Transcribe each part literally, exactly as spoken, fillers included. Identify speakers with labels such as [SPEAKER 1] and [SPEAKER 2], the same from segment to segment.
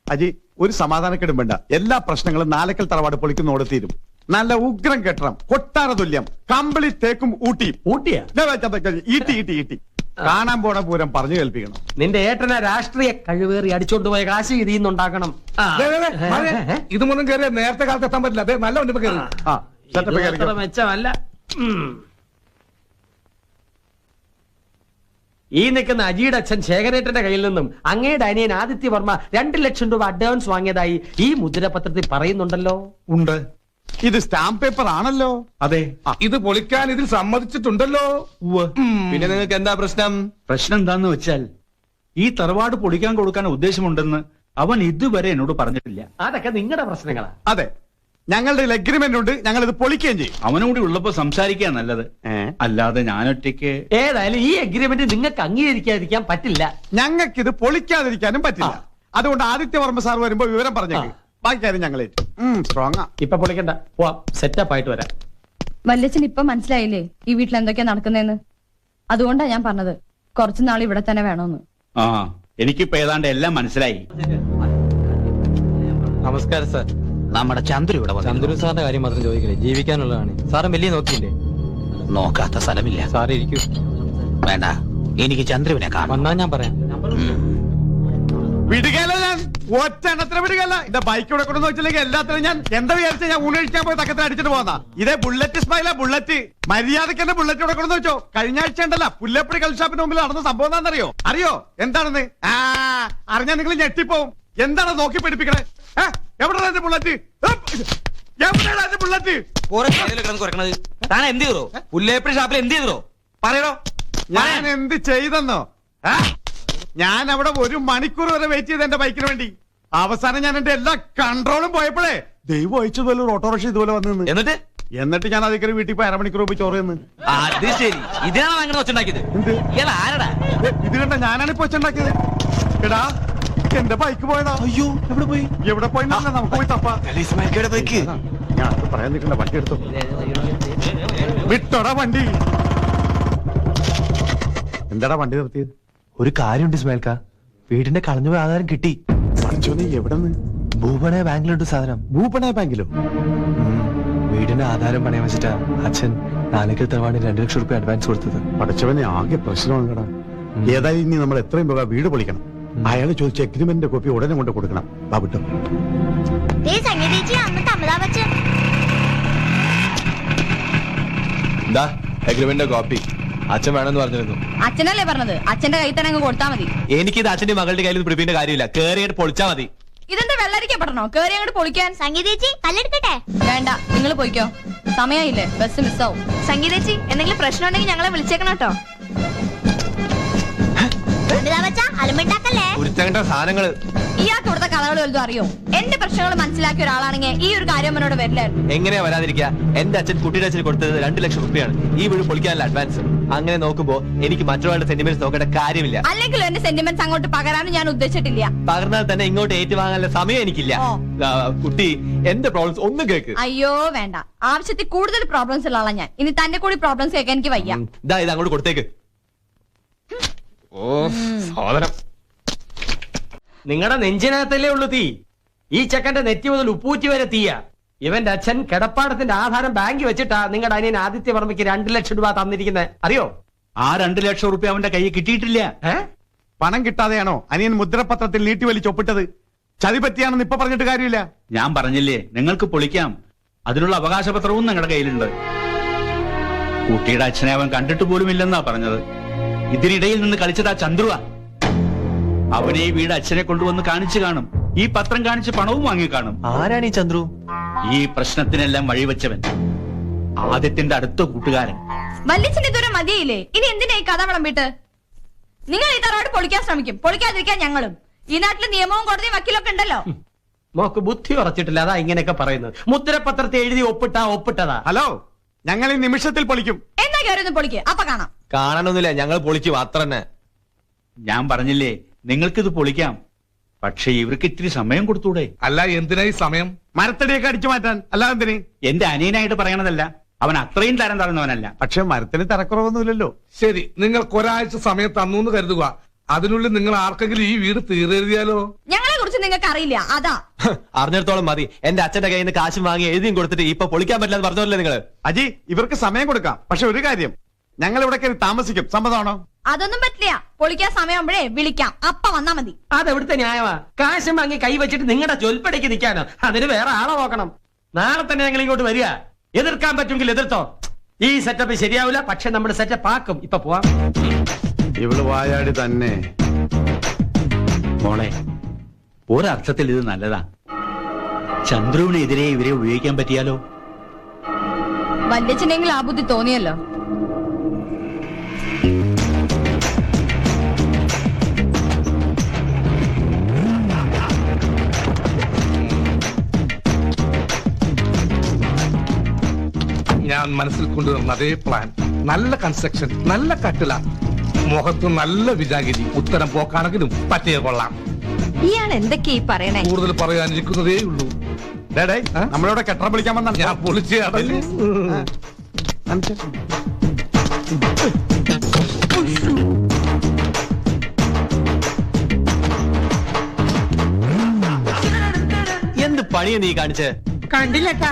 [SPEAKER 1] അജി ഒരു സമാധാനക്കേടും വേണ്ട. എല്ലാ പ്രശ്നങ്ങളും നാലക്കൽ തറവാട് പൊളിക്കുന്നോട് തീരും. നല്ല ഉഗ്രം കെട്ടണം, കൊട്ടാര തുല്യം, കമ്പിളി തേക്കും ഊട്ടി.
[SPEAKER 2] ഊട്ടിയാ?
[SPEAKER 1] ഈട്ടി ഈട്ടി ഈട്ടി കാണാൻ പോണ പൂരം പറഞ്ഞു കേൾപ്പിക്കണം.
[SPEAKER 2] നിന്റെ ഏട്ടനെ രാഷ്ട്രീയ കഴിവേറി അടിച്ചോണ്ട് പോയ കാശ് ഇതിന്നുണ്ടാക്കണം.
[SPEAKER 3] ഇതുമൊന്നും കയറിയ നേരത്തെ കാലത്ത് എത്താൻ പറ്റില്ല. അതെ, നല്ല വണ്ടി കയറി.
[SPEAKER 1] ആ സെറ്റപ്പ്
[SPEAKER 2] ഇത് അത്ര മെച്ചമല്ല. ഉം. ഈ നിൽക്കുന്ന അജിയുടെ അച്ഛൻ ശേഖരേട്ടന്റെ കയ്യിൽ നിന്നും അങ്ങയുടെ അനിയൻ ആദിത്യ വർമ്മ രണ്ട് ലക്ഷം രൂപ അഡ്വാൻസ് വാങ്ങിയതായി ഈ മുദ്രപത്രത്തിൽ പറയുന്നുണ്ടല്ലോ.
[SPEAKER 3] ഉണ്ട്.
[SPEAKER 1] ഇത് സ്റ്റാമ്പ് പേപ്പർ ആണല്ലോ.
[SPEAKER 3] അതെ, ഇത് പൊളിക്കാൻ ഇതിൽ സമ്മതിച്ചിട്ടുണ്ടല്ലോ.
[SPEAKER 4] പിന്നെ നിങ്ങൾക്ക് എന്താ പ്രശ്നം?
[SPEAKER 5] പ്രശ്നം എന്താന്ന് വെച്ചാൽ ഈ തറവാട് പൊളിക്കാൻ കൊടുക്കാൻ ഉദ്ദേശമുണ്ടെന്ന് അവൻ ഇതുവരെ എന്നോട് പറഞ്ഞിട്ടില്ല.
[SPEAKER 2] അതൊക്കെ നിങ്ങളുടെ പ്രശ്നങ്ങളാ.
[SPEAKER 1] അതെ, ഞങ്ങളുടെ എഗ്രിമെന്റ് ഉണ്ട്, ഞങ്ങൾ ഇത് പൊളിക്കുകയും ചെയ്യും.
[SPEAKER 5] അവനോട് ഉള്ളപ്പോ സംസാരിക്കാൻ നല്ലത്, അല്ലാതെ ഞാനൊറ്റയ്ക്ക്.
[SPEAKER 2] ഏതായാലും ഈ അഗ്രിമെന്റ് നിങ്ങൾക്ക് അംഗീകരിക്കാതിരിക്കാൻ പറ്റില്ല.
[SPEAKER 1] ഞങ്ങൾക്ക് ഇത് പൊളിക്കാതിരിക്കാനും പറ്റില്ല. അതുകൊണ്ട് ആദിത്യവർമ്മ സാർ വരുമ്പോ വിവരം പറഞ്ഞേക്ക്. ബാക്കി കാര്യം ഞങ്ങൾ സ്ട്രോങ്.
[SPEAKER 2] ഇപ്പൊ പൊളിക്കണ്ട, പോവാം, സെറ്റപ്പ് ആയിട്ട് വരാം.
[SPEAKER 6] വല്യച്ഛൻ ഇപ്പൊ മനസ്സിലായില്ലേ ഈ വീട്ടിൽ എന്തൊക്കെയാ നടക്കുന്നതെന്ന്? അതുകൊണ്ടാ ഞാൻ പറഞ്ഞത് കുറച്ചു നാൾ ഇവിടെ തന്നെ വേണമെന്ന്.
[SPEAKER 5] ആ, എനിക്കിപ്പോ ഏതാണ്ട് എല്ലാം മനസ്സിലായി.
[SPEAKER 4] നമസ്കാരം സാർ. നമ്മുടെ ചന്ദ്രു ഇവിടെ വന്നു.
[SPEAKER 7] ചന്ദ്രു സാറിന്റെ കാര്യം മാത്രം ചോദിക്കില്ലേ, ജീവിക്കാനുള്ളതാണ്. സാറും വലിയ നോക്കിയില്ലേ?
[SPEAKER 4] നോക്കാത്ത സ്ഥലമില്ല.
[SPEAKER 7] സാറ് ഇരിക്കൂ.
[SPEAKER 4] വേണ്ട, എനിക്ക് ചന്ദ്രുവിനെ കാണാം.
[SPEAKER 7] വന്നാ ഞാൻ പറയാം.
[SPEAKER 1] വിടുകയല്ല, ഞാൻ ഒറ്റ എണ്ണത്തിന് വിടുകയല്ല. എന്റെ ബൈക്ക് ഇവിടെ കൊണ്ടെന്ന് വെച്ചില്ലെങ്കിൽ എല്ലാത്തിനും ഞാൻ എന്താ വിചാരിച്ച ഞാൻ ഊണഴിക്കാൻ പോയി തക്കത്തിൽ അടിച്ചിട്ട് പോന്നാ. ഇതേ ബുള്ളറ്റ് സ്മൈല ബുള്ളറ്റ്. മര്യാദക്ക് എന്നെ ബുള്ളറ്റ് ഇവിടെ കൊണ്ടെന്ന് വെച്ചോ. കഴിഞ്ഞ ആഴ്ച ഉണ്ടല്ല പുല്ലപ്പടി കൽഷാപ്പിന് മുമ്പിൽ നടന്ന സംഭവം എന്താണെന്നറിയോ? അറിയോ എന്താണെന്ന്? ആ അറിഞ്ഞാൽ നിങ്ങൾ ഞെട്ടിപ്പോവും. എന്താണ് നോക്കി പിടിപ്പിക്കണേ? എവിടെയാണ് എന്റെ ബുള്ളറ്റ്? എവിടെയാണ് എന്റെ ബുള്ളറ്റ്?
[SPEAKER 4] താൻ എന്ത് ചെയ്തോ? പുല്ലേപ്പടി ഷാപ്പിൽ എന്ത് ചെയ്തോ പറയണോ?
[SPEAKER 1] ഞാൻ എന്ത് ചെയ്തെന്നോ? ഞാൻ അവിടെ ഒരു മണിക്കൂർ വരെ വെയിറ്റ് ചെയ്ത് എന്റെ ബൈക്കിന് വേണ്ടി. അവസാനം ഞാൻ എന്റെ എല്ലാ കൺട്രോളും പോയപ്പോഴേ ദൈവം അയച്ചതുപോലെ ഒരു ഓട്ടോറിക്ഷ ഇതുപോലെ വന്നു.
[SPEAKER 4] എന്നിട്ട്
[SPEAKER 1] എന്നിട്ട് ഞാൻ അതിൽ വീട്ടിൽ പോയി അരമണിക്കൂർ പോയി ചോറ് തന്നു.
[SPEAKER 4] അത് ശരി, ഇതിനാണ് അങ്ങനെ വെച്ചുണ്ടാക്കിയത്. ആരടാ
[SPEAKER 1] ഇത് കണ്ട ഞാനാണ് ഇപ്പൊ വെച്ചുണ്ടാക്കിയത്. എടാ എന്റെ ബൈക്ക് പോയതാ.
[SPEAKER 4] അയ്യോ, എവിടെ പോയി?
[SPEAKER 1] എവിടെ പോയി നമുക്ക് പോയി തപ്പാ.
[SPEAKER 4] ബൈക്ക്
[SPEAKER 1] ഞാൻ അത് പറയാൻ നിൽക്കണ്ട, വണ്ടി എടുത്തു വിട്ടോടാ വണ്ടി. എന്താടാ വണ്ടി നിർത്തിയത്?
[SPEAKER 8] ഒരു കാര്യമുണ്ട് ഇസ്മായിൽക്ക, വീടിന്റെ കളഞ്ഞുപോയ ആധാരം കിട്ടി.
[SPEAKER 1] നീ എവിടെ നിന്ന്?
[SPEAKER 8] ഭൂപണയ ബാങ്കിലുണ്ട് സാധനം.
[SPEAKER 1] ഭൂപണയ ബാങ്കിലോ?
[SPEAKER 8] വീടിന്റെ ആധാരം പണയം വെച്ചിട്ടാ അച്ഛൻ നാലേക്കൽ തറവാടിന് രണ്ടു ലക്ഷം റുപ്യ അഡ്വാൻസ് കൊടുത്തത്.
[SPEAKER 1] പഠിച്ചവനെ ആകെ പ്രശ്നമാണ് കേടാ. ഏതായാലും ഇനി നമ്മൾ എത്രയും പോകാം വീട് പൊളിക്കണം. അയാൾ ചോദിച്ച എഗ്രിമെന്റിന്റെ കോപ്പി ഉടനെ കൊണ്ട് കൊടുക്കണം. ബാബുട്ടോ
[SPEAKER 4] എഗ്രിമെന്റിന്റെ കോപ്പി അച്ഛൻ വേണമെന്ന് പറഞ്ഞിരുന്നു.
[SPEAKER 6] അച്ഛനല്ലേ പറഞ്ഞത്? അച്ഛന്റെ കയ്യിൽ തന്നെ അങ്ങ് കൊടുത്താൽ മതി.
[SPEAKER 4] എനിക്കിത് അച്ഛന്റെ മകളുടെ കയ്യിൽ പിടിപ്പിന്റെ കാര്യമില്ല. കേറിയിട്ട് പൊളിച്ചാ മതി.
[SPEAKER 6] ഇതെന്താ വെള്ളരിക്കപ്പെടണോ? കേറി അങ്ങോട്ട് പൊളിക്കാൻ?
[SPEAKER 9] സംഗീതേച്ചി കല്ലെടുക്കട്ടെ?
[SPEAKER 6] വേണ്ട, നിങ്ങൾ പോയിക്കോ, സമയമില്ലേ, ബസ് മിസ്സാവും.
[SPEAKER 9] സംഗീതേച്ചി എന്തെങ്കിലും പ്രശ്നം ഉണ്ടെങ്കിൽ ഞങ്ങളെ വിളിച്ചേക്കണം കേട്ടോ.
[SPEAKER 4] ഉരുത്തങ്ങട്ട സാധനങ്ങള്
[SPEAKER 6] ഇയാൾക്ക് ഇവിടുത്തെ കഥകൾ വലുതും അറിയോ? എന്റെ പ്രശ്നങ്ങൾ മനസ്സിലാക്കിയ ഒരാളാണെങ്കിൽ ഈ ഒരു കാര്യം എന്നോട് വരില്ലായിരുന്നു.
[SPEAKER 4] എങ്ങനെയാ വരാതിരിക്കുക? എന്റെ അച്ഛൻ കുട്ടിയുടെ അച്ഛന് കൊടുത്തത് രണ്ടു ലക്ഷം റുപ്യാണ് ഈ വീട് പൊളിക്കാനുള്ള അഡ്വാൻസ്. അങ്ങനെ നോക്കുമ്പോ എനിക്ക് മറ്റൊരാളുടെ സെന്റിമെന്റ്സ് നോക്കേണ്ട കാര്യമില്ല.
[SPEAKER 6] അല്ലെങ്കിൽ എന്റെ സെന്റിമെന്റ്സ് അങ്ങോട്ട് പകരാനും ഞാൻ ഉദ്ദേശിച്ചിട്ടില്ല.
[SPEAKER 4] പകർന്നാൽ തന്നെ ഇങ്ങോട്ട് ഏറ്റുവാങ്ങാനുള്ള സമയം എനിക്കില്ല. കുട്ടി, എന്റെ പ്രോബ്ലംസ് ഒന്ന് കേക്ക്.
[SPEAKER 6] അയ്യോ വേണ്ട, ആവശ്യത്തിൽ കൂടുതൽ പ്രോബ്ലംസ് ഉള്ള ആളാ ഞാൻ. ഇനി തന്റെ കൂടി പ്രോബ്ലംസ് കേൾക്കാൻ എനിക്ക് വയ്യ.
[SPEAKER 4] ഇതാ ഇത് അങ്ങോട്ട് കൊടുത്തേക്ക്. ഓ സഹോദരം,
[SPEAKER 2] നിങ്ങളുടെ നെഞ്ചിനകത്തല്ലേ ഉള്ളു തീ. ഈ ചെക്കന്റെ നെറ്റി മുതൽ ഉപ്പൂറ്റി വരെ തീയ. ഇവന്റെ അച്ഛൻ കിടപ്പാടത്തിന്റെ ആധാരം ബാങ്കിൽ വെച്ചിട്ടാ നിങ്ങളുടെ അനിയൻ ആദിത്യ വർമ്മയ്ക്ക് രണ്ടു ലക്ഷം രൂപ തന്നിരിക്കുന്നത്, അറിയോ?
[SPEAKER 5] ആ രണ്ടു ലക്ഷം റുപ്യ അവന്റെ കയ്യിൽ കിട്ടിയിട്ടില്ല.
[SPEAKER 1] പണം കിട്ടാതെയാണോ അനിയൻ മുദ്രപത്രത്തിൽ നീട്ടി വലിച്ച് ഒപ്പിട്ടത്? ചതി പറ്റിയാണെന്ന് ഇപ്പൊ പറഞ്ഞിട്ട് കാര്യമില്ല.
[SPEAKER 5] ഞാൻ പറഞ്ഞില്ലേ, നിങ്ങൾക്ക് പൊളിക്കാം. അതിനുള്ള അവകാശപത്രവും നിങ്ങളുടെ കയ്യിലുണ്ട്. കുട്ടിയുടെ അച്ഛനെ അവൻ കണ്ടിട്ട് പോലും ഇല്ലെന്നാ പറഞ്ഞത്. ഇതിനിടയിൽ നിന്ന് കളിച്ചതാ ചന്ദ്രുവ. അവനെ ഈ വീട് അച്ഛനെ കൊണ്ടുവന്ന് കാണിച്ചു കാണും. ഈ പത്രം കാണിച്ച് പണവും വാങ്ങി കാണും.
[SPEAKER 8] ആരാണ് ഈ ചന്ദ്രു?
[SPEAKER 5] ഈ പ്രശ്നത്തിനെല്ലാം വഴിവെച്ചവൻ, ആദ്യത്തിന്റെ അടുത്ത കൂട്ടുകാരൻ.
[SPEAKER 6] വല്യച്ഛന് ഇതുവരെ മതിയില്ലേ? ഇനി എന്തിനാ ഈ കഥ വിളമ്പിട്ട്? നിങ്ങൾ ഈ തറവാട് പൊളിക്കാൻ ശ്രമിക്കും, പൊളിക്കാതിരിക്കാൻ ഞങ്ങളും. ഈ നാട്ടിൽ നിയമവും കോടതിയും വക്കീലൊക്കെ ഉണ്ടല്ലോ.
[SPEAKER 2] മോക്ക് ബുദ്ധി ഉറച്ചിട്ടില്ല, അതാ ഇങ്ങനെയൊക്കെ പറയുന്നത്. മുദ്രപത്രത്തെ എഴുതി ഒപ്പിട്ടാ ഒപ്പിട്ടതാ.
[SPEAKER 1] ഹലോ, ഞങ്ങൾ ഈ നിമിഷത്തിൽ പൊളിക്കും.
[SPEAKER 6] എന്നാ കയറി ഒന്ന് പൊളിക്ക്, അപ്പൊ കാണാം.
[SPEAKER 4] കാണണമെന്നില്ല, ഞങ്ങൾ പൊളിക്കും അത്ര തന്നെ.
[SPEAKER 5] ഞാൻ പറഞ്ഞില്ലേ, നിങ്ങൾക്കിത് പൊളിക്കാം. പക്ഷെ ഇവർക്ക് ഇത്തിരി സമയം കൊടുത്തൂടെ?
[SPEAKER 3] അല്ല, എന്തിനായി സമയം?
[SPEAKER 1] മരത്തടിയൊക്കെ അടിച്ചു മാറ്റാൻ. അല്ലാതെ എന്തിന്?
[SPEAKER 5] എന്റെ അനിയനായിട്ട് പറയണതല്ല, അവൻ അത്രയും തരം തറന്നവനല്ല.
[SPEAKER 1] പക്ഷെ മരത്തിന് തരക്കുറവൊന്നുമില്ലല്ലോ.
[SPEAKER 3] ശരി, നിങ്ങൾക്ക് ഒരാഴ്ച സമയം തന്നു എന്ന് കരുതുക. അതിനുള്ളിൽ നിങ്ങൾ ആർക്കെങ്കിലും ഈ വീട് തീരെഴുതിയാലോ?
[SPEAKER 6] ഞങ്ങളെ കുറിച്ച് കുറിച്ച് നിങ്ങൾക്ക് അറിയില്ല, അതാ.
[SPEAKER 4] അറിഞ്ഞിടത്തോളം മതി. എന്റെ അച്ഛന്റെ കയ്യിൽ നിന്ന് കാശും വാങ്ങി എഴുതിയും കൊടുത്തിട്ട് ഇപ്പൊ പൊളിക്കാൻ പറ്റില്ല എന്ന് പറഞ്ഞല്ലേ നിങ്ങള്?
[SPEAKER 1] അജി, ഇവർക്ക് സമയം കൊടുക്കാം. പക്ഷെ ഒരു കാര്യം, ഞങ്ങൾ ഇവിടെ കയറി താമസിക്കും. സമ്മതമാണോ?
[SPEAKER 6] അതൊന്നും പറ്റില്ല. പൊളിക്കാൻ സമയമാകുമ്പോഴേ വിളിക്കാം, അപ്പ വന്നാ മതി.
[SPEAKER 2] അതെവിടുത്തെ ന്യായമാ? കാശും വാങ്ങി കൈ വെച്ചിട്ട് നിങ്ങളുടെ ചൊൽപ്പടിക്ക് നിൽക്കാനോ? അതിന് വേറെ ആളെ നോക്കണം. നാളെ തന്നെ ഞങ്ങൾ ഇങ്ങോട്ട് വരിക. എതിർക്കാൻ പറ്റുമെങ്കിൽ എതിർത്തോ. ഈ സെറ്റപ്പ് ശരിയാവില്ല, പക്ഷെ നമ്മുടെ സെറ്റപ്പ് ആക്കും. ഇപ്പൊ പോവാം.
[SPEAKER 1] ഇവള് വായാടി തന്നെ.
[SPEAKER 5] മോളെ, ഒരർത്ഥത്തിൽ ഇത് നല്ലതാ. ചന്ദ്രുവിനെതിരെ ഇവരെ ഉപയോഗിക്കാൻ പറ്റിയാലോ?
[SPEAKER 6] വല്യച്ഛനെങ്കിൽ ആ ബുദ്ധി തോന്നിയല്ലോ.
[SPEAKER 3] ഞാൻ മനസ്സിൽ കൊണ്ടുവന്ന അതേ പ്ലാൻ. നല്ല കൺസ്ട്രക്ഷൻ, നല്ല കട്ടില, മുഖത്ത് നല്ല വിജാഗിരി. ഉത്തരം പോക്കാണെങ്കിലും പറ്റിയ കൊള്ളാം.
[SPEAKER 6] ഇയാൾ എന്തൊക്കെയാ ഈ പറയണേ?
[SPEAKER 3] കൂടുതൽ പറയാനിരിക്കുന്നതേ ഉള്ളൂ.
[SPEAKER 1] ഡേ, ഡേ, നമ്മളിവിടെ കെട്ടറ വിളിക്കാൻ വന്ന
[SPEAKER 3] ഞാൻ പൊളിച്ച് അടഞ്ഞു.
[SPEAKER 4] എന്ത് പണിയാ നീ കാണിച്ചേ?
[SPEAKER 2] കണ്ടില്ലട്ടാ.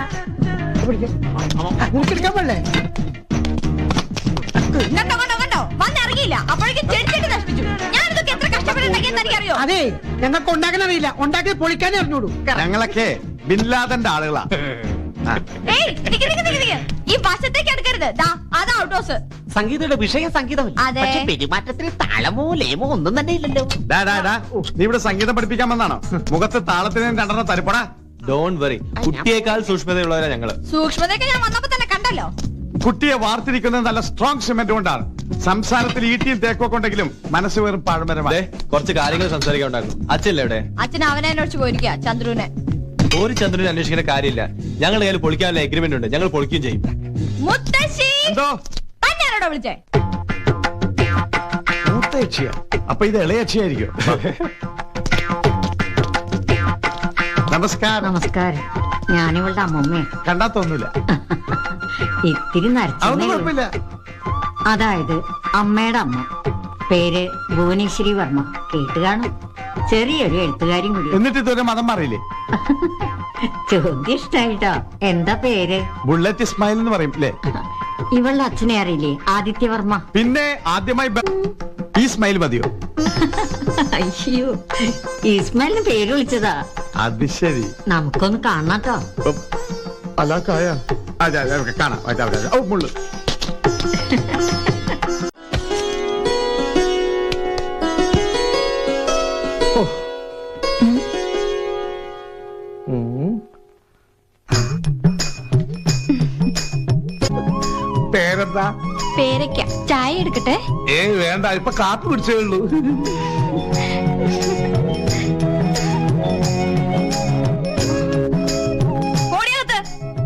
[SPEAKER 6] കണ്ടോ കണ്ടോ കണ്ടോ, വന്നിറങ്ങിയില്ല. അപ്പോഴേക്കും ചെടിച്ചെടി നശിപ്പിച്ചു. ഞാനിതൊക്കെ എത്ര കഷ്ടപ്പെട്ടുണ്ടാക്കിയെന്ന് എനിക്കറിയോ?
[SPEAKER 2] അതെ, ഞങ്ങൾക്ക് ഉണ്ടാക്കാൻ അറിയില്ല, ഉണ്ടാക്കി പൊളിക്കാനേ അറിഞ്ഞോളൂ.
[SPEAKER 1] ഞങ്ങളൊക്കെ ബിൻലാദന്റെ ആളുകളാ.
[SPEAKER 6] ഏയ്, നിക്ക് നിക്ക് നിക്ക് നിക്ക്. ഈ വശത്തേക്ക് എടുക്കരുത്. ദാ, അതാ ഔട്ട് ഹൗസ്.
[SPEAKER 2] സംഗീതയുടെ വിഷയം സംഗീതമല്ല.
[SPEAKER 6] അതെ.
[SPEAKER 2] പക്ഷെ പെരുമാറ്റത്തിൽ താളമോ ലേമോ ഒന്നും തന്നെ ഇല്ലല്ലോ.
[SPEAKER 1] ഡാ, ഡാ, ഡാ, നീ ഇവിടെ സംഗീതം പഠിപ്പിക്കാൻ വന്നാണോ? മുഖത്ത് താളത്തിന് രണ്ടെണ്ണം തരിപ്പടാ.
[SPEAKER 4] ഡോണ്ട് വറി, കുട്ടിയേക്കാൾ സൂക്ഷ്മതയുള്ളവരാ ഞങ്ങള്.
[SPEAKER 6] സൂക്ഷ്മതയൊക്കെ ഞാൻ വന്നപ്പോ തന്നെ കണ്ടല്ലോ.
[SPEAKER 1] കുട്ടിയെ വാർത്തിരിക്കുന്നത് നല്ല സ്ട്രോങ് സിമെന്റ് കൊണ്ടാണ്. സംസാരത്തിൽ ഈട്ടിയും തേക്കൊക്കെ ഉണ്ടെങ്കിലും മനസ്സ് വെറും പാഴ്മരമാണ്.
[SPEAKER 4] ദേ, കുറച്ച് കാര്യങ്ങൾ സംസാരിക്കാൻ ഉണ്ടായിരുന്നു. അച്ഛല്ലേ എവിടെ?
[SPEAKER 6] അച്ഛൻ അവനെ അന്വേഷിച്ച് പോയിരിക്കുക, ചന്ദ്രുവിനെ.
[SPEAKER 4] ഒരു ചന്ദ്രനെ അന്വേഷിക്കേണ്ട കാര്യമില്ല. ഞങ്ങളുടെ കയ്യിൽ പൊളിക്കാനുള്ള എഗ്രിമെന്റ് ഉണ്ട്. ഞങ്ങൾ പൊളിക്കുകയും ചെയ്യും.
[SPEAKER 6] മുത്തശ്ശി,
[SPEAKER 1] എന്തോ
[SPEAKER 6] തന്നെയാണോടോ വിളിച്ചേ?
[SPEAKER 1] മൂത്തയക്ഷിയാ? അപ്പൊ ഇത് ഇളയക്ഷിയായിരിക്കും. നമസ്കാരം.
[SPEAKER 10] നമസ്കാരം. ഞാനിവളുടെ അമ്മമ്മേ.
[SPEAKER 1] കണ്ടാ തോന്നൂല.
[SPEAKER 10] ഇത്തിരി
[SPEAKER 1] അതൊന്നും
[SPEAKER 10] നരച്ചേ.
[SPEAKER 1] കുഴപ്പമില്ല.
[SPEAKER 10] അതായത് അമ്മയുടെ അമ്മ. പേര് ഭുവനേശ്വരി വർമ്മ. കേട്ട് കാണും. ചെറിയൊരു എഴുത്തുകാരും കൂടി.
[SPEAKER 1] എന്നിട്ട് ഇതുവരെ മതം മാറിയില്ലേ?
[SPEAKER 10] ചോദ്യം ഇഷ്ടായിട്ടോ. എന്താ പേര്?
[SPEAKER 1] ബുള്ളറ്റ് ഇസ്മായിൽ എന്ന് പറയും അല്ലേ?
[SPEAKER 10] ഇവളുടെ അച്ഛനെ അറിയില്ലേ? ആദിത്യവർമ്മ.
[SPEAKER 1] പിന്നെ ആദ്യമായി ബ- ഈ സ്മൈൽ മതിയോ?
[SPEAKER 10] അയ്യോ, ഇസ്മാലിന് പേര് വിളിച്ചതാ.
[SPEAKER 1] അത് ശരി.
[SPEAKER 10] നമുക്കൊന്ന് കാണാട്ടോ.
[SPEAKER 1] അല്ല കായ അതെ അതെ കാണാം. അതെ, അതെ, അതെ. ഓ, മുള്ളു.
[SPEAKER 3] പേരെന്താ?
[SPEAKER 6] പേരയ്ക്ക. ചായ എടുക്കട്ടെ?
[SPEAKER 3] ഏ വേണ്ട, ഇപ്പൊ കാപ്പി പിടിച്ചേ ഉള്ളൂ.
[SPEAKER 6] ഓടിയകത്ത്.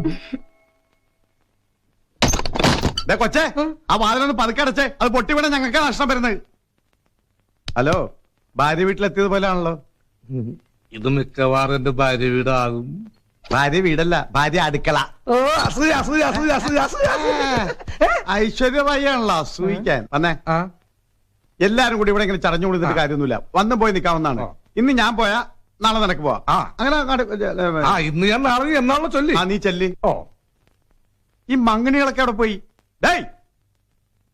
[SPEAKER 1] ദേ കൊച്ചേ, ആ വാതിലൊന്ന് പതുക്കടച്ചേ. അത് പൊട്ടി വീണ ഞങ്ങൾക്ക് നഷ്ടം വരുന്നത്. ഹലോ, ഭാര്യ വീട്ടിലെത്തിയത് പോലെയാണല്ലോ.
[SPEAKER 3] ഇത് മിക്കവാറും എന്റെ ഭാര്യ വീടാകും.
[SPEAKER 1] ഭാര്യ വീടല്ല, ഭാര്യ അടുക്കള.
[SPEAKER 3] ഓ, അസൂയ, അസൂയ, അസൂയ, അസൂയ, അസൂയ, അസൂയ.
[SPEAKER 1] ഐശ്വര്യമായാണല്ലോ സൂഹിക്കാൻ. വന്നേ,
[SPEAKER 3] ആ,
[SPEAKER 1] എല്ലാരും കൂടി ഇവിടെ ഇങ്ങനെ ചടഞ്ഞു കൊടുത്തിട്ട് കാര്യമൊന്നുമില്ല. വന്നു പോയി നിൽക്കാവുന്നതാണ്. ഇന്ന് ഞാൻ പോയാ നാളെ നിനക്ക് പോവാ.
[SPEAKER 3] ആ.
[SPEAKER 1] അങ്ങനെ അങ്ങോട്ട്
[SPEAKER 3] ആ, ഇന്ന് ഞാൻ നാളെ എന്നാണോ ചൊല്ലി.
[SPEAKER 1] ആ, നീ ചെല്ലി.
[SPEAKER 3] ഓ,
[SPEAKER 1] ഈ മങ്ങിണികളൊക്കെ അവിടെ പോയി. ഡേയ്,